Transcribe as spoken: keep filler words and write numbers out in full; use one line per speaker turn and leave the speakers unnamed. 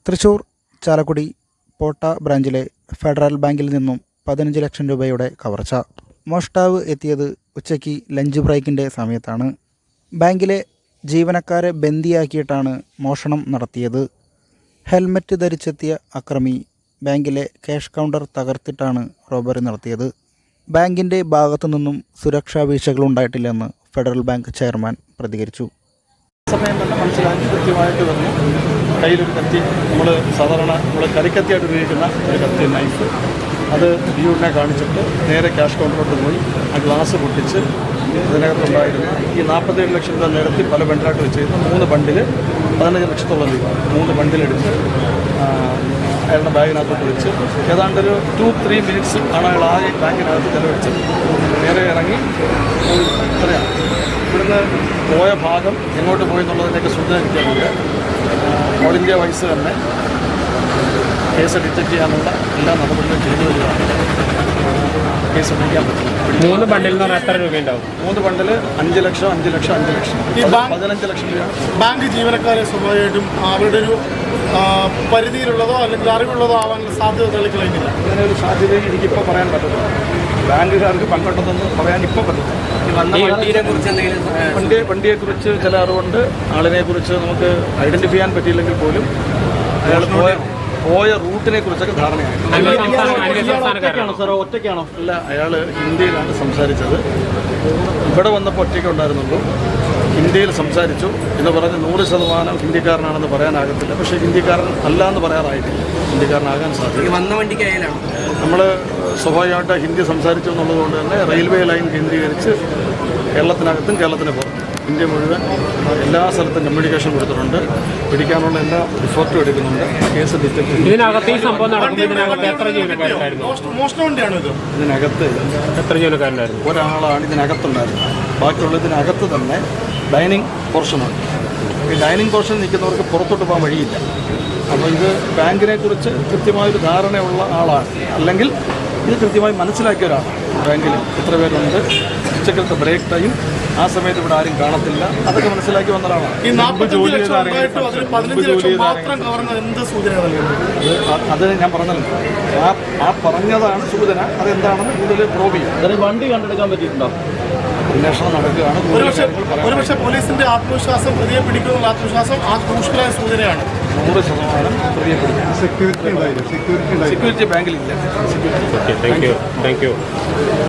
തൃശൂർ ചാലക്കുടി പോട്ട ബ്രാഞ്ചിലെ ഫെഡറൽ ബാങ്കിൽ നിന്നും പതിനഞ്ച് ലക്ഷം രൂപയുടെ കവർച്ച. മോഷ്ടാവ് എത്തിയത് ഉച്ചയ്ക്ക് ലഞ്ച് ബ്രേക്കിൻ്റെ സമയത്താണ്. ബാങ്കിലെ ജീവനക്കാരെ ബന്ദിയാക്കിയിട്ടാണ് മോഷണം നടത്തിയത്. ഹെൽമറ്റ് ധരിച്ചെത്തിയ അക്രമി ബാങ്കിലെ ക്യാഷ് കൗണ്ടർ തകർത്തിട്ടാണ് റോബറി നടത്തിയത്. ബാങ്കിൻ്റെ ഭാഗത്തു നിന്നും സുരക്ഷാ വീഴ്ചകളുണ്ടായിട്ടില്ലെന്ന് ഫെഡറൽ ബാങ്ക് ചെയർമാൻ പ്രതികരിച്ചു.
സമയം തന്നെ മനസ്സിലാക്കി കൃത്യമായിട്ട് വന്നു. കയ്യിലൊരു കത്തി, നമ്മൾ സാധാരണ നമ്മൾ കരിക്കത്തിയായിട്ട് ഉപയോഗിക്കുന്ന ഒരു കത്തി, നൈഫ്, അത് ബിയൂരിനെ കാണിച്ചിട്ട് നേരെ ക്യാഷ് കൗണ്ടറിലോട്ട് പോയി ആ ഗ്ലാസ് പൊട്ടിച്ച് ഇതിനകത്തുണ്ടായിരുന്ന ഈ നാൽപ്പത്തേഴ് ലക്ഷം രൂപ നിരത്തി പല ബണ്ടിലായിട്ട് വെച്ചിരുന്ന മൂന്ന് ബണ്ടിൽ പതിനഞ്ച് ലക്ഷത്തോളം രൂപ മൂന്ന് ബണ്ടിലെടുത്ത് അയാളുടെ ബാഗിനകത്തോട്ട് വെച്ച് ഏതാണ്ടൊരു ടു ത്രീ മിനിറ്റ്സ് ആണ് അയാൾ ആ ബാങ്കിനകത്ത് ചെലവഴിച്ചത്. നേരെ ഇറങ്ങി എത്രയാണ് ഇവിടുന്ന് പോയ ഭാഗം എങ്ങോട്ട് പോയി എന്നുള്ളതിൻ്റെയൊക്കെ സൂചന കിട്ടിയിട്ടുണ്ട്. ഓൾ ഇന്ത്യ വൈസ് തന്നെ കേസ് ഡിറ്റക്ട് ചെയ്യാനുള്ള എല്ലാ നടപടികളും ചെയ്തു വരികയാണ്. കേസ് പിടിക്കാൻ പറ്റും.
മൂന്ന് ബണ്ടിൽ എന്ന് പറഞ്ഞാൽ എത്ര രൂപയുണ്ടാവും?
മൂന്ന് ബണ്ടിൽ അഞ്ച് ലക്ഷം അഞ്ച് ലക്ഷം അഞ്ച് ലക്ഷം പതിനഞ്ച് ലക്ഷം രൂപയാണ്.
ബാങ്ക് ജീവനക്കാരെ സ്വാഭാവികമായിട്ടും അവരുടെ ഒരു പരിധിയിലുള്ളതോ അല്ലെങ്കിൽ അറിവുള്ളതോ ആവാനുള്ള സാധ്യത തെളിയിക്കുന്നില്ല.
അങ്ങനെ ഒരു സാധ്യതയും എനിക്കിപ്പോൾ പറയാൻ പറ്റത്തില്ല. ബാങ്കുകാർക്ക് പങ്കെടുത്തെന്ന് പറയാൻ ഇപ്പോൾ പറ്റത്തില്ല. വണ്ടിയെ വണ്ടിയെക്കുറിച്ച് ചില അറിവുണ്ട്. ആളിനെക്കുറിച്ച് നമുക്ക് ഐഡൻറ്റിഫൈ ചെയ്യാൻ പറ്റിയില്ലെങ്കിൽ പോലും അയാൾ പോയ പോയ റൂട്ടിനെ കുറിച്ചൊക്കെ ധാരണയായി. സാറോ ഒറ്റയ്ക്കാണോ? അല്ല, അയാൾ ഹിന്ദിയിലാണ് സംസാരിച്ചത്. ഇവിടെ വന്നപ്പോൾ ഒറ്റയ്ക്ക് ഉണ്ടായിരുന്നുള്ളൂ. ഹിന്ദിയിൽ സംസാരിച്ചു എന്ന് പറഞ്ഞ് നൂറ് ശതമാനം ഹിന്ദിക്കാരനാണെന്ന് പറയാനാകത്തില്ല. പക്ഷേ ഹിന്ദിക്കാരൻ അല്ല എന്ന് പറയാറായിട്ടില്ല. ഹിന്ദിക്കാരനാകാൻ സാധ്യത.
വന്ന വണ്ടിക്ക് അയലാണ്
നമ്മൾ സ്വാഭാവികമായിട്ട് ഹിന്ദി സംസാരിച്ചു എന്നുള്ളത് കൊണ്ട് തന്നെ റെയിൽവേ ലൈൻ കേന്ദ്രീകരിച്ച് കേരളത്തിനകത്തും കേരളത്തിന് പുറത്തും ഇന്ത്യ മുഴുവൻ എല്ലാ സ്ഥലത്തും കമ്മ്യൂണിക്കേഷൻ കൊടുത്തിട്ടുണ്ട്. പിടിക്കാനുള്ള എല്ലാ എഫേർട്ടും എടുക്കുന്നുണ്ട്. കേസ് ഡിറ്റക്ട്
ഇതിനകത്ത് ഈ സംഭവം നടക്കുമ്പോൾ ഇതിനകത്ത് എത്ര ജീവനക്കാരുണ്ടായിരുന്നു?
ഇതിനകത്ത്
എത്ര ജീവനക്കാരുണ്ടായിരുന്നു?
ഒരാളാണ് ഇതിനകത്തുണ്ടായിരുന്നത്. ബാക്കിയുള്ള ഇതിനകത്ത് തന്നെ ഡൈനിങ് പോർഷനുണ്ട്. ഈ ഡൈനിങ് പോർഷൻ നിൽക്കുന്നവർക്ക് പുറത്തോട്ട് പോകാൻ വഴിയില്ല. അപ്പോൾ ഇത് ബാങ്കിനെ കുറിച്ച് കൃത്യമായൊരു ധാരണയുള്ള ആളാണ്, അല്ലെങ്കിൽ ഇത് കൃത്യമായി മനസ്സിലാക്കിയ ഒരാളാണ്. ബാങ്കിൽ എത്ര പേരുണ്ട്, ഉച്ചക്കലത്തെ ബ്രേക്ക് ടൈം, ആ സമയത്ത് ഇവിടെ ആരും കാണത്തില്ല, അതൊക്കെ മനസ്സിലാക്കി വന്ന ഒരാളാണ്. അത് ഞാൻ പറഞ്ഞല്ലോ, ആ ആ പറഞ്ഞതാണ് സൂചന. അതെന്താണെന്ന് കൂടുതൽ പ്രോബ് ചെയ്യും. വണ്ടി കണ്ടെടുക്കാൻ പറ്റിയിട്ടുണ്ടോ? അന്വേഷണം നടക്കുകയാണ്.
ഒരുപക്ഷെ പോലീസിന്റെ ആത്മവിശ്വാസം പ്രതിയെ പിടിക്കുന്നുള്ള ആത്മവിശ്വാസം ആ ക്രൂഷ്യലായ സൂചനയാണ്.
നൂറ് ശതമാനം പ്രതിയെ പിടിക്കും. സെക്യൂരിറ്റി സെക്യൂരിറ്റി ബാങ്കിലില്ല.
Thank you thank U